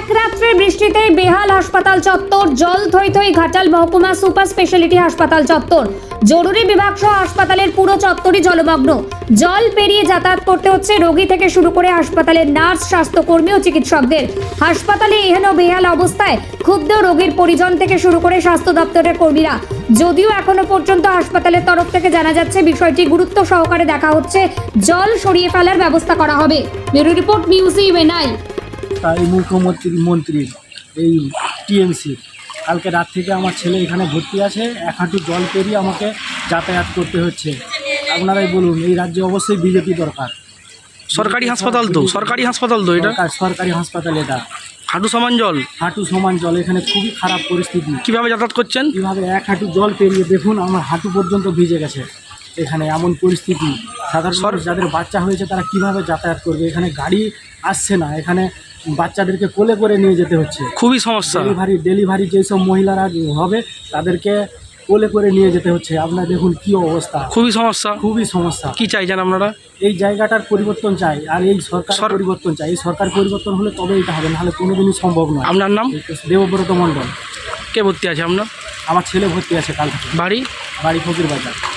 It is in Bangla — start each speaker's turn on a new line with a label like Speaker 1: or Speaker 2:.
Speaker 1: এক রাত্রের বৃষ্টিতে বেহাল হাসপাতাল চত্বর, জল থই থই ঘাটাল মহকুমা সুপার স্পেশালিটি হাসপাতাল চত্বর। জরুরি বিভাগ সহ হাসপাতালের পুরো চত্বরই জলমগ্ন। জল পেরিয়ে যাতায়াত করতে হচ্ছে রোগী থেকে শুরু করে হাসপাতালের নার্স, স্বাস্থ্যকর্মী ও চিকিৎসকদের। হাসপাতালে এহেন বেহাল অবস্থায় ক্ষুব্ধ রোগীর পরিজন থেকে শুরু করে স্বাস্থ্য দপ্তরের কর্মীরা। যদিও এখনো পর্যন্ত হাসপাতালের তরফ থেকে জানা যাচ্ছে বিষয়টি গুরুত্ব সহকারে দেখা হচ্ছে, জল সরিয়ে ফেলার ব্যবস্থা করা হবে। Bureau report news UNI.
Speaker 2: এই মুখ্যমন্ত্রী এই টিএমসি কালকে রাত থেকে আমার ছেলে এখানে ভর্তি আছে, এক হাঁটু জল পেরিয়ে আমাকে যাতায়াত করতে হচ্ছে। আপনারাই বলুন, এই রাজ্যে অবশ্যই বিজেপি দরকার।
Speaker 3: সরকারি হাসপাতাল তো এটা
Speaker 2: সরকারি হাসপাতাল, এটা
Speaker 3: হাঁটু সমান জল।
Speaker 2: হাঁটু সমান জল, এখানে খুবই খারাপ পরিস্থিতি।
Speaker 3: কিভাবে যাতায়াত করছেন?
Speaker 2: কীভাবে এক হাঁটু জল পেরিয়ে দেখুন, আমার হাঁটু পর্যন্ত ভিজে গেছে। এখানে এমন পরিস্থিতি, সাধারণ মানুষ যাদের বাচ্চা হয়েছে তারা কিভাবে যাতায়াত করবে? এখানে গাড়ি আসছে না, এখানে বাচ্চাদেরকে কোলে করে নিয়ে যেতে হচ্ছে।
Speaker 3: খুবই সমস্যা।
Speaker 2: ডেলিভারি যেসব মহিলারা হবে তাদেরকে কোলে করে নিয়ে যেতে হচ্ছে। আপনারা দেখুন কি অবস্থা,
Speaker 3: খুবই সমস্যা। কি চাইছেন আপনারা?
Speaker 2: এই জায়গাটার পরিবর্তন চাই, আর এই সরকার পরিবর্তন চাই। এই সরকার পরিবর্তন হলে তবে এটা হবে, নাহলে কোনোদিনই সম্ভব নয়।
Speaker 3: আপনার নাম?
Speaker 2: দেবব্রত মণ্ডল।
Speaker 3: কে ভর্তি আছে আপনার?
Speaker 2: আমার ছেলে ভর্তি আছে কাল থেকে।
Speaker 3: বাড়ি
Speaker 2: ফকির বাজার।